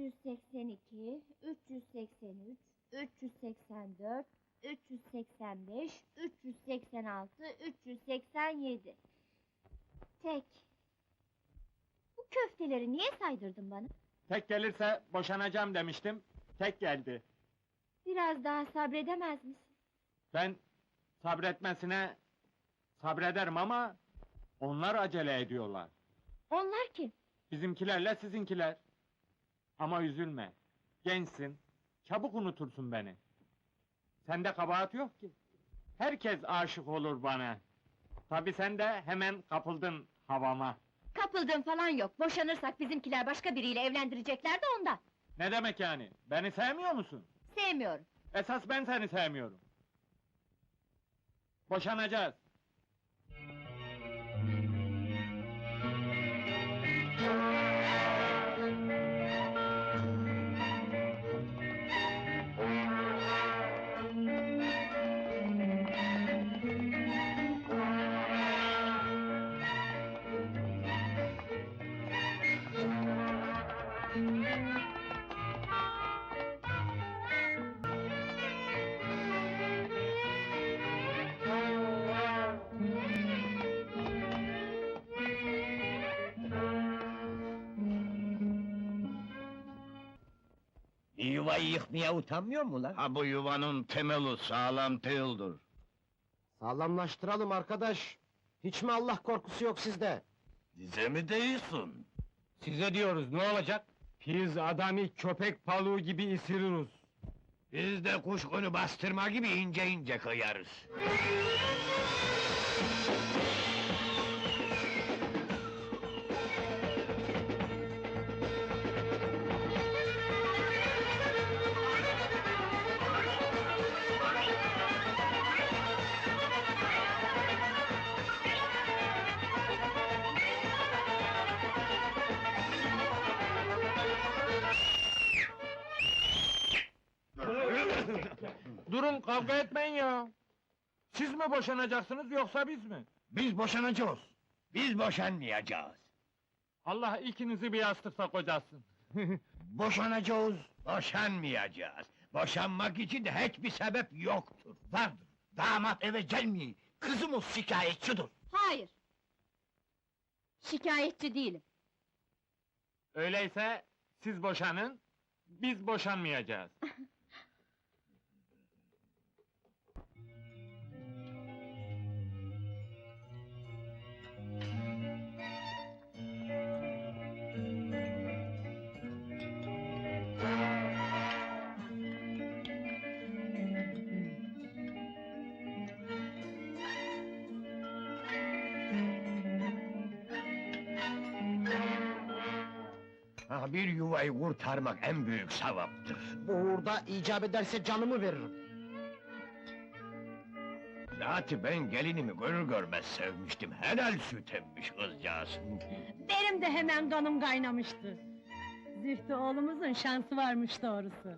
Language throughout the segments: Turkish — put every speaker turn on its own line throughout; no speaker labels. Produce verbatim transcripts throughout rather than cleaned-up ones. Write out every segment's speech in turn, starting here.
yüz seksen iki, üç yüz seksen üç, üç yüz seksen dört, üç yüz seksen beş, üç yüz seksen altı, üç yüz seksen yedi. Tek. Bu köfteleri niye saydırdın bana?
Tek gelirse boşanacağım demiştim, tek geldi.
Biraz daha sabredemez misin?
Ben sabretmesine sabrederim ama onlar acele ediyorlar.
Onlar kim?
Bizimkilerle sizinkiler. Ama üzülme, gençsin, çabuk unutursun beni. Sende kabahat yok ki. Herkes aşık olur bana. Tabii sen de hemen kapıldın havama.
Kapıldığın falan yok, boşanırsak bizimkiler başka biriyle evlendirecekler de ondan.
Ne demek yani? Beni sevmiyor musun?
Sevmiyorum.
Esas ben seni sevmiyorum. Boşanacağız.
Yuvayı yıkmaya utanmıyor mu lan?
Ha bu yuvanın temeli sağlam değildir.
Sağlamlaştıralım arkadaş. Hiç mi Allah korkusu yok sizde?
Dize mi değilsin?
Size diyoruz, ne olacak? Biz adamı köpek paluğu gibi ısırırız.
Biz de kuşkunu bastırma gibi ince ince kıyarız.
Durun, kavga etmeyin ya! Siz mi boşanacaksınız, yoksa biz mi?
Biz boşanacağız. Biz boşanmayacağız.
Allah ikinizi bir yastıkta kocasın!
Boşanacağız, boşanmayacağız. Boşanmak için de hiçbir sebep yoktur. Vardır. Damat eve gelmiyor. Kızımız şikayetçidir.
Hayır! Şikayetçi değilim.
Öyleyse, siz boşanın, biz boşanmayacağız.
Ha, bir yuvayı kurtarmak en büyük sevaptır.
Bu uğurda icap ederse canımı veririm.
Zaten ben gelinimi görür görmez sevmiştim. Helal süt emmiş kızcağız.
Benim de hemen kanım kaynamıştı. Zühtü oğlumuzun şansı varmış doğrusu.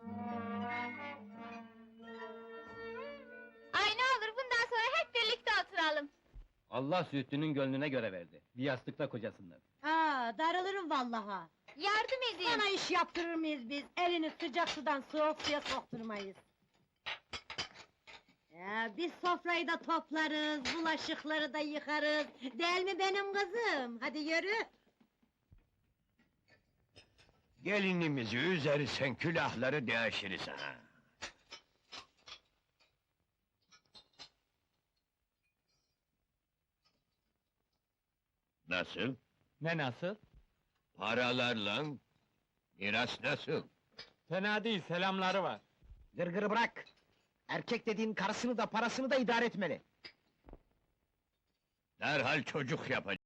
Ay ne olur bundan sonra hep birlikte oturalım.
Allah Zühtü'nün gönlüne göre verdi. Bir yastıkta kocasınlar.
Aa, darılırım vallaha.
Yardım edin.
Sana iş yaptırır mıyız biz? Elini sıcak sudan soğuk suya sokturmayız. Ya, biz sofrayı da toplarız, bulaşıkları da yıkarız. Değil mi benim kızım? Hadi yürü!
Gelinimizi üzersen külahları değişiriz ha. Nasıl?
Ne nasıl?
Paralarla miras nasıl?
Fena değil, selamları var.
Gırgırı bırak! Erkek dediğin karısını da parasını da idare etmeli.
Derhal çocuk yapacak.